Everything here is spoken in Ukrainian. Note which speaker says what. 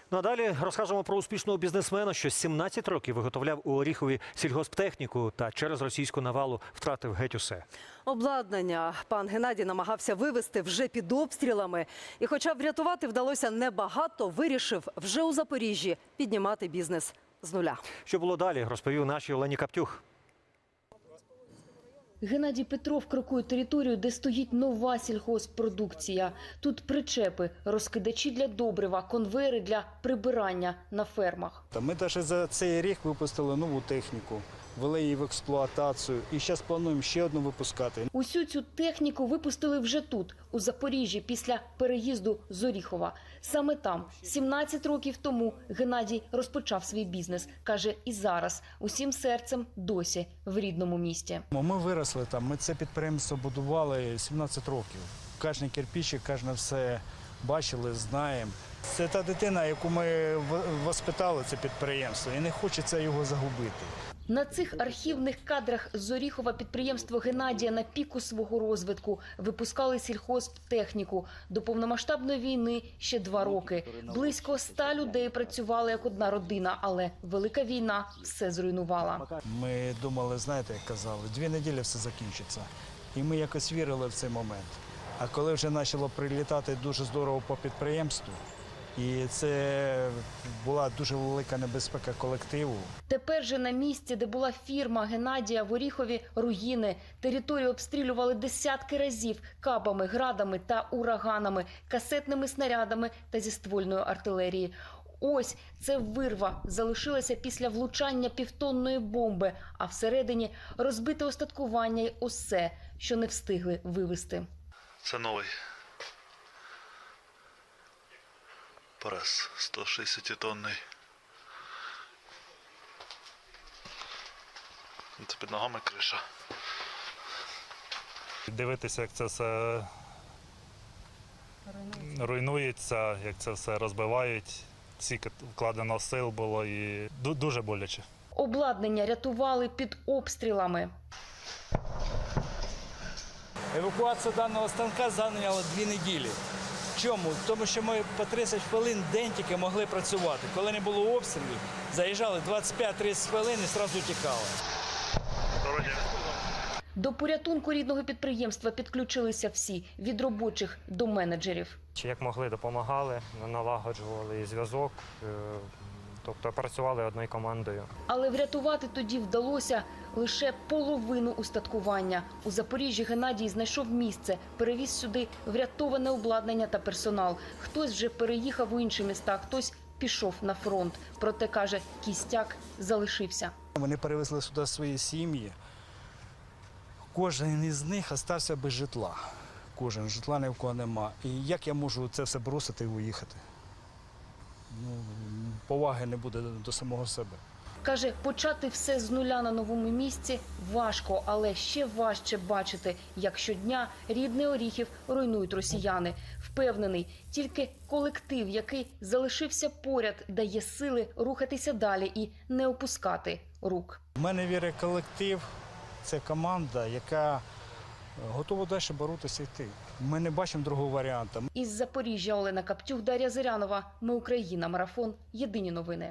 Speaker 1: Ну а далі розкажемо про успішного бізнесмена, що 17 років виготовляв у Оріхові сільгосптехніку та через російську навалу втратив геть усе.
Speaker 2: Обладнання пан Геннадій намагався вивезти вже під обстрілами. І хоча врятувати вдалося небагато, вирішив вже у Запоріжжі піднімати бізнес з нуля.
Speaker 1: Що було далі, розповів нашій Олені Каптюх.
Speaker 3: Геннадій Петров крокує територію, де стоїть нова сільгосппродукція. Тут причепи, розкидачі для добрива, конвейери для прибирання на фермах.
Speaker 4: Ми навіть за цей рік випустили нову техніку, ввели її в експлуатацію і зараз плануємо ще одну випускати.
Speaker 3: Усю цю техніку випустили вже тут, у Запоріжжі, після переїзду з Оріхова. Саме там, 17 років тому, Геннадій розпочав свій бізнес. Каже, і зараз, усім серцем досі в рідному місті.
Speaker 4: Ми виросли там, ми це підприємство будували 17 років. Кожен кирпичик, кожне все бачили, знаємо. Це та дитина, яку ми воспитали, це підприємство, і не хочеться його загубити.
Speaker 3: На цих архівних кадрах з Оріхова підприємство Геннадія на піку свого розвитку випускали сільхозтехніку. До повномасштабної війни ще 2 роки. Близько 100 людей працювали як одна родина, але велика війна все зруйнувала.
Speaker 4: Ми думали, знаєте, як казали, 2 неділі все закінчиться. І ми якось вірили в цей момент. А коли вже почало прилітати дуже здорово по підприємству, і це була дуже велика небезпека колективу.
Speaker 3: Тепер же на місці, де була фірма Геннадія в Оріхові, руїни. Територію обстрілювали десятки разів кабами, градами та ураганами, касетними снарядами та зі ствольної артилерії. Ось це вирва залишилася після влучання півтонної бомби, а всередині розбите остаткування й усе, що не встигли вивезти.
Speaker 5: Це новий прес 160-тонний. Це під ногами криша.
Speaker 6: Дивитися, як це все руйнується, як це все розбивають. Скільки вкладено сил було і дуже боляче.
Speaker 3: Обладнання рятували під обстрілами.
Speaker 4: Евакуація даного станка зайняла 2 неділі. Чому? Тому що ми по 30 хвилин в день тільки могли працювати. Коли не було обстрілів, заїжджали 25-30 хвилин і одразу тікали.
Speaker 3: До порятунку рідного підприємства підключилися всі – від робочих до менеджерів.
Speaker 7: Як могли, допомагали, налагоджували зв'язок, тобто працювали одною командою.
Speaker 3: Але врятувати тоді вдалося лише половину устаткування. У Запоріжжі Геннадій знайшов місце, перевіз сюди врятоване обладнання та персонал. Хтось вже переїхав у інші міста, хтось пішов на фронт. Проте, каже, кістяк залишився.
Speaker 4: Вони перевезли сюди свої сім'ї. Кожен із них залишився без житла. Кожен, житла ні в кого нема. І як я можу це все бросити і уїхати? Поваги не буде до самого себе.
Speaker 3: Каже, почати все з нуля на новому місці важко, але ще важче бачити, як щодня рідний Оріхів руйнують росіяни. Впевнений, тільки колектив, який залишився поряд, дає сили рухатися далі і не опускати рук.
Speaker 4: У мене вірить колектив, це команда, яка готова далі боротися і йти. Ми не бачимо другого варіанту.
Speaker 3: Із Запоріжжя Олена Каптюх, Дар'я Зирянова. Ми Україна. Марафон. Єдині новини.